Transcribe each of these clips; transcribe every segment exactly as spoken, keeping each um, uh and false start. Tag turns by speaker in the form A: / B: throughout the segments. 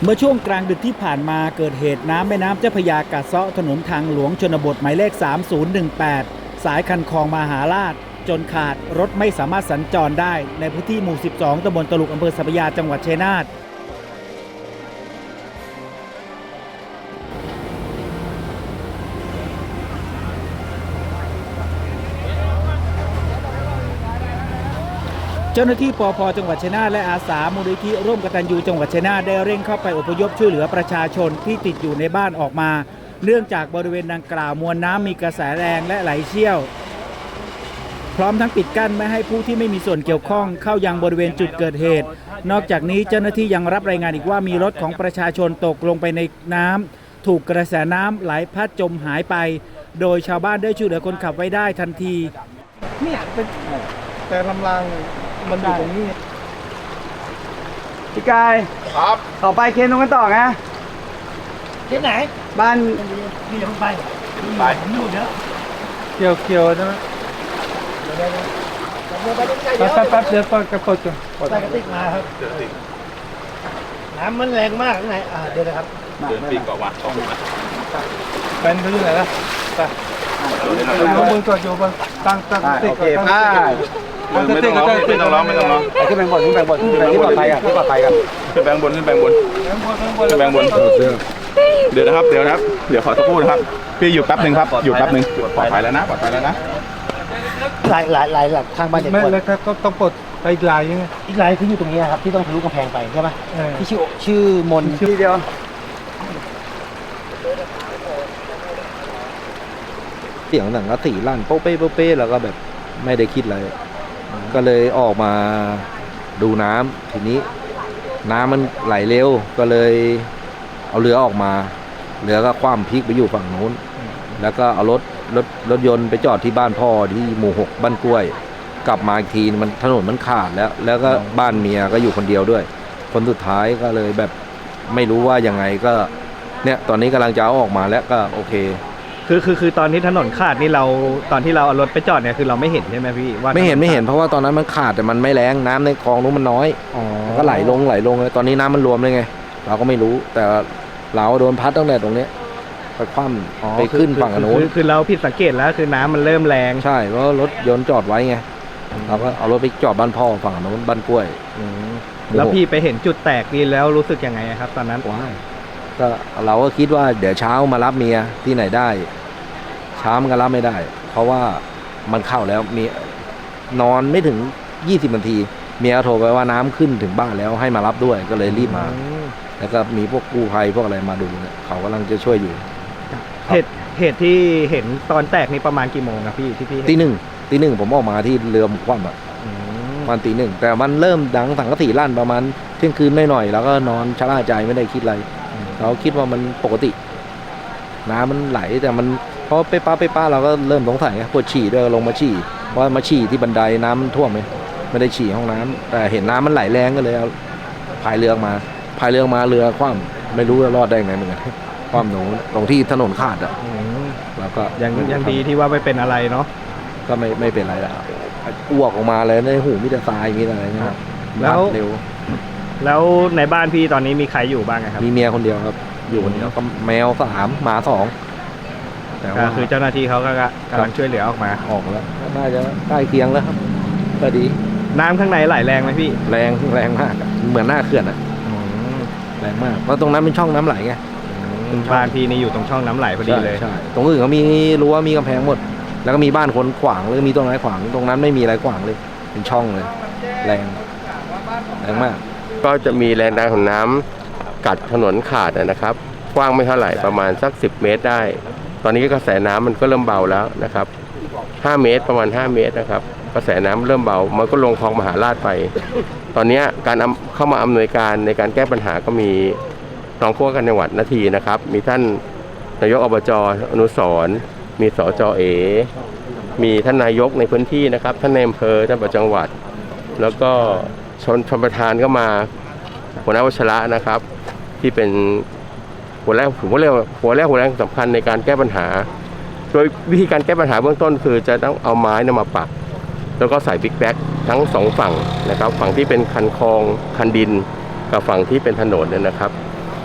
A: เมื่อช่วงกลางดึกที่ผ่านมาเกิดเหตุน้ำแม่น้ำเจ้าพระยากัดเซาะถนนทางหลวงชนบทหมายเลขสามศูนย์หนึ่งแปดสายคันคลองมหาราชจนขาดรถไม่สามารถสัญจรได้ในพื้นที่หมู่สิบสองตำบลตลุกอำเภอสัพพยาจังหวัดชัยนาทเจ้าหน้าที่ปภ.จังหวัดชัยนาทและอาสามูลนิธิร่วมกตัญญูจังหวัดชัยนาทได้เร่งเข้าไปอพยพช่วยเหลือประชาชนที่ติดอยู่ในบ้านออกมาเนื่องจากบริเวณดังกล่าวมวลน้ำมีกระแสแรงและไหลเชี่ยวพร้อมทั้งปิดกั้นไม่ให้ผู้ที่ไม่มีส่วนเกี่ยวข้องเข้ายังบริเวณจุดเกิดเหตุนอกจากนี้เจ้าหน้าที่ยังรับรายงานอีกว่ามีรถของประชาชนตกลงไปในน้ำถูกกระแสน้ำไหลพัดจมหายไปโดยชาวบ้านได้ช่วยเหลือคนขับไว้ได้ทันที
B: เนี่ยเป็นแต่ลำรางมันอยู่ตรงนี้
C: พี่กายครับต่อไปเคนตรงกันต่อไง
A: เคนไหน
C: บ้าน
A: นี่อย่าเพิ่งไปไปผมอยู่เยอะ
B: เกี่ยวเกี่ยวใช่ไหมแป๊บแป๊บแป๊บเดี๋ยวปดกระปดก่อน
A: ใส่กระติกมาครับน้ำมันแรงมากไงอ่าเดี๋ยวนะครับ
D: เดินปีกเกาะวัดต้องมา
B: เป็นเขาอยู่ไหนล่ะไปลงมือก่อนโยบตั้งตั้งติก
C: ก่อน
D: ไม่ต้องร้องไม่ต้องร้องไม่ต้องร้อง
C: ขึ้นแบงบนขึ้นแบงบนขึ้นแบงที่ปลอดภัยกันที่ปลอดภัยกัน
D: ขึ้นแบงบนขึ้นแบงบนขึ้นแบงบนเดี๋ยวนะครับเดี๋ยวนะครับเดี๋ยวขอสักครู่นะครับพี่อยู่แป๊บหนึ่งครับอยู่แป๊บหนึ่งปลอดภัยแล้วนะปลอดภัยแล้วนะ
A: หลายหลายหลายหลักทางบ้านเด็ก
B: ไม่เลยครับก็ต้องปลดไปอีกลายยังไง
A: อีกลายคืออยู่ตรงนี้ครับที่ต้องทะลุกำแพงไปใช่ไหมที่ชื่อชื่อมน
C: ที่เดียว
E: เสียงหนังกระสีลั่นโป๊ะเป๊ะโป๊ะเป๊ะแล้วก็แบบไม่ได้คิดอะไรก็เลยออกมาดูน้ำทีนี้น้ำมันไหลเร็วก็เลยเอาเรือออกมาเรือก็คว่ำพลิกไปอยู่ฝั่งโน้นแล้วก็เอารถรถรถยนต์ไปจอดที่บ้านพ่อที่หมู่หกบ้านกล้วยกลับมาอีกทีมันถนนมันขาดแล้วแล้วก็บ้านเมียก็อยู่คนเดียวด้วยคนสุดท้ายก็เลยแบบไม่รู้ว่ายังไงก็เนี่ยตอนนี้กำลังจะเอาออกมาแล้วก็โอเค
F: คือคือคือตอนที่ถนนขาดนี่เราตอนที่เราเอารถไปจอดเนี่ยคือเราไม่เห็นใช่ไหมพี่ว่า
E: ไม่เห็นไม่เห็นเพราะว่าตอนนั้นมันขาดแต่มันไม่แรงน้ำในคลองนู้นมันน้อยก็ไหลลงไหลลงเลยตอนนี้น้ำมันรวมเลยไงเราก็ไม่รู้แต่เราโดนพัดตั้งแต่ตรงนี้ไปคว่ำไปขึ้นฝั่งโน้น
F: คือเราผิดสังเกตแล้วคือน้ำมันเริ่มแรง
E: ใช่เพราะรถยนต์จอดไว้ไงเราก็เอารถไปจอดบ้านพ่อฝั่งโน้นบ้านกล้วย
F: แล้วพี่ไปเห็นจุดแตกนี่แล้วรู้สึกยังไงครับตอนนั้น
E: ว้าก็เราก็คิดว่าเดี๋ยวเช้ามารับเมียที่ไหนได้เช้ามันก็รับไม่ได้เพราะว่ามันเข้าแล้วมีนอนไม่ถึงยี่สิบนาทีเมียโทรไปว่าน้ำขึ้นถึงบ้านแล้วให้มารับด้วยก็เลยรีบมาแล้วก็มีพวกกู้ภัยพวกอะไรมาดูเนี่ยเขากำลังจะช่วยอยู่
F: เหตุเหตุที่เห็นตอนแตกนี่ประมาณกี่โมงครับพี่ที่พี่
E: ตีหนึ่งตีหนึ่งผมออกมาที่เรือคว่ำอ่ะวันตีหนึ่งแต่มันเริ่มดังสังกะสีลั่นประมาณเที่ยงคืนหน่อยๆแล้วก็นอนชะล่าใจไม่ได้คิดอะไรเราคิดว่ามันปกติน้ำมันไหลแต่มันเพราะไปป้าไปป้าเราก็เริ่มสงสัยปวดฉี่ด้วยลงมาฉี่ว่ามาฉี่ที่บันไดน้ำมันท่วมไหมไม่ได้ฉี่ห้องน้ำแต่เห็นน้ำมันไหลแรงก็เลยเอาพายเรือมาพายเรือมาเรือคว่ำไม่รู้ว่ารอดได้ไงเหมือนกันคว่ำหนูตรงที่ถนนขาดอ่ะแล้วก็
F: ยังยังดีที่ว่าไม่เป็นอะไรเนาะ
E: ก็ไม่ไม่เป็นอะไรแล้วอ้วกออกมาเลยในหูมีแต่ทรายมีอะไรเงี้ย
F: แล้วเร็วแล้วในบ้านพี่ตอนนี้มีใครอยู่บ้างครับ
E: มีเมียคนเดียวครับอยู่คนเดียวก็แมวสามหมาสอง
F: แต่ว่าคือเจ้าหน้าที่เขาก็กำลังช่วยเหลือออกมา
E: ออกแล้วน่าจะใกล้เคียงแล้วครับก็ดี
F: น้ำข้างในไหลแรงไหมพี่
E: แรงแรงมากเหมือนหน้าเขื่อนอ่ะแรงมากเพราะตรงนั้นเป็นช่องน้ำไหลไง
F: บ้านพี่นี่อยู่ตรงช่องน้ำไหลพอดีเลย
E: ใช่ตรงอื่นเขามีรั้วมีกำแพงหมดแล้วก็มีบ้านคนขวางแล้วก็มีต้นไม้ขวางตรงนั้นไม่มีอะไรขวางเลยเป็นช่องเลยแรงแรงมาก
D: ก็จะมีแรงดันของน้ำกัดถนนขาดนะครับกว้างไม่เท่าไหร่ประมาณสักสิบเมตรได้ตอนนี้กระแสน้ำมันก็เริ่มเบาแล้วนะครับห้าเมตรประมาณห้าเมตรนะครับกระแสน้ำเริ่มเบามันก็ลงคลองมหาราชไปตอนนี้การเข้ามาอำนวยการในการแก้ปัญหาก็มีรองผู้ว่าการจังหวัดนาทีนะครับมีท่านนายกอบจ.อนุสรณ์มีสจ.เอมีท่านนายกในพื้นที่นะครับท่านในอำเภอท่านประจังหวัดแล้วก็ชนชนประธานก็มาหัวหน้าวัชระนะครับที่เป็นหัวแรกผมก็เรียกหัวแรกหัวแรกสำคัญในการแก้ปัญหาโดยวิธีการแก้ปัญหาเบื้องต้นคือจะต้องเอาไม้นำมาปักแล้วก็ใส่บิ๊กแบ็กทั้งสองฝั่งนะครับฝั่งที่เป็นคันคลองคันดินกับฝั่งที่เป็นถนนเนี่ยนะครับ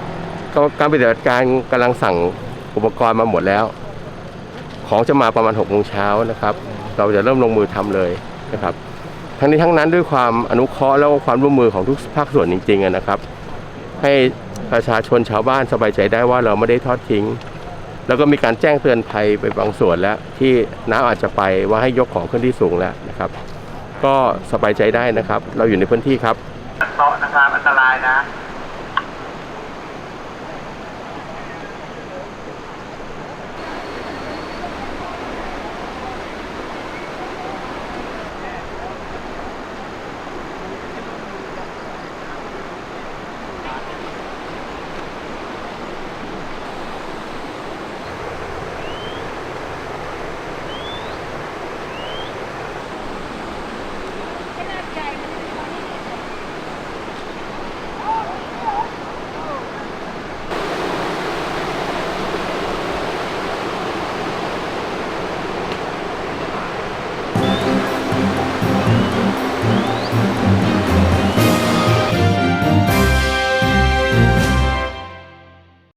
D: การปฏิบัติการกำลังสั่งอุปกรณ์มาหมดแล้ว ของจะมาประมาณหกโมงเช้านะครับ เราจะเริ่มลงมือทำเลยนะครับ ทั้งนี้ทั้งนั้นด้วยความอนุเคราะห์และความร่วมมือของทุกภาคส่วนจริงๆนะครับ ให้ประชาชนชาวบ้านสบายใจได้ว่าเราไม่ได้ทอดทิ้ง แล้วก็มีการแจ้งเตือนภัยไปบางส่วนแล้วที่น้ำอาจจะไปว่าให้ยกของขึ้นที่สูงแล้วนะครับ ก็สบายใจได้นะครับ เราอยู่ในพื้นที่ครับ
G: เพราะนะครับอันตรายนะ